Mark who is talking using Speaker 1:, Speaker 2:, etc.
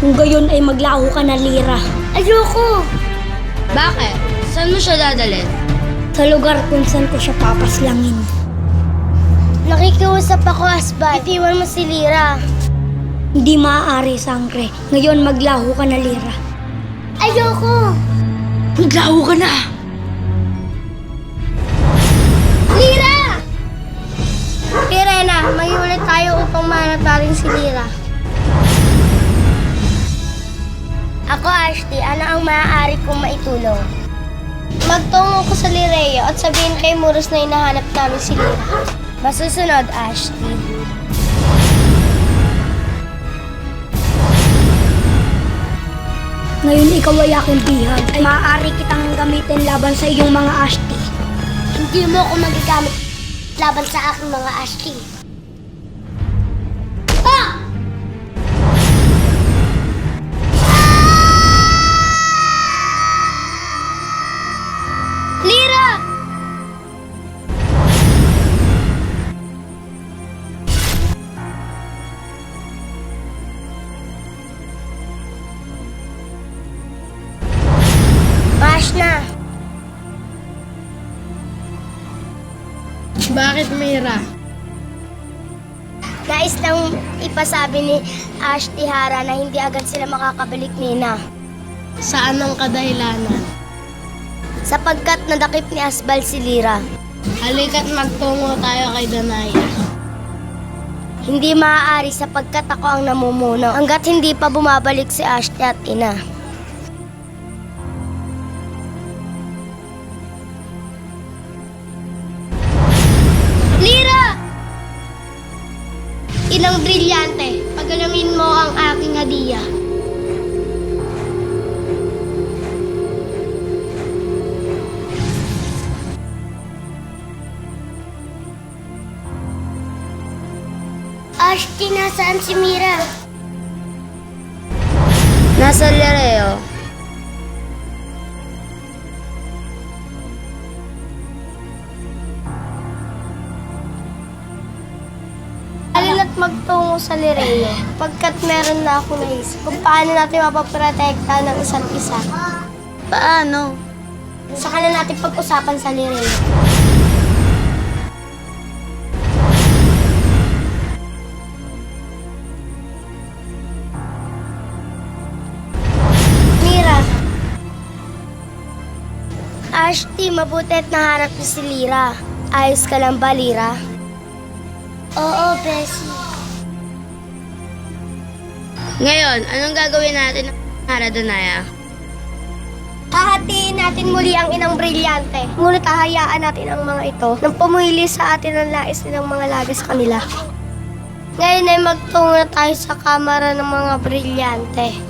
Speaker 1: Kung gayon ay maglaho ka na, Lira.
Speaker 2: Ayoko!
Speaker 3: Bakit? Saan mo siya dadalhin?
Speaker 1: Sa lugar kung saan ko siya papaslangin.
Speaker 2: Nakikiusap ako, Asbal. Itiwan mo si Lira.
Speaker 1: Hindi maaari, Sangre. Ngayon maglaho ka na, Lira.
Speaker 2: Ayoko!
Speaker 3: Maglaho ka na!
Speaker 2: Lira! Irena, mag-iulit tayo upang mahanap natin si Lira. Ako, Ashley, ano ang maaari kong maitulong? Magtungo ko sa Lireo at sabihin kay Muros na hinahanap namin si Lira. Masusunod, Ashley.
Speaker 1: Ngayon ikaw ay aking bihag. Ay maaari kitang gamitin laban sa iyong mga Ashti.
Speaker 2: Hindi mo ako magagamit laban sa aking mga Ashley. Ah! Lira! Bash na!
Speaker 3: Bakit, Mira?
Speaker 2: Nais lang ipasabi ni Ashley Hara na hindi agad sila makakabalik nina.
Speaker 3: Saan ang kadahilanan?
Speaker 2: Sapagkat nadakip ni Asbal si Lira.
Speaker 3: Halika't magtungo tayo kay Danaya.
Speaker 2: Hindi maaari sapagkat ako ang namumuno hanggat hindi pa bumabalik si Ashley at ina. Lira! Inang brilyante, pagalamin mo ang aking hadiah. Ashley, nasaan si Mira?
Speaker 3: Nasa Lireo.
Speaker 2: Alina't magtungo sa Lireo, pagkat meron na ako naisip kung paano natin mapaprotekta ng isa't isa.
Speaker 3: Paano?
Speaker 2: Saka na natin pag-usapan sa Lireo. Mira. Ashley, mabuti at nahanap niyo si Lira. Ayos ka lang ba, Lira? Oo, Bessie.
Speaker 3: Ngayon, anong gagawin natin ng Hara Danaya?
Speaker 2: Hahatiin natin muli ang inang brilyante. Ngunit hahayaan natin ang mga ito nang pumili sa atin ang lais nilang mga laga sa kanila. Ngayon ay magtungo na tayo sa kamara ng mga brilyante.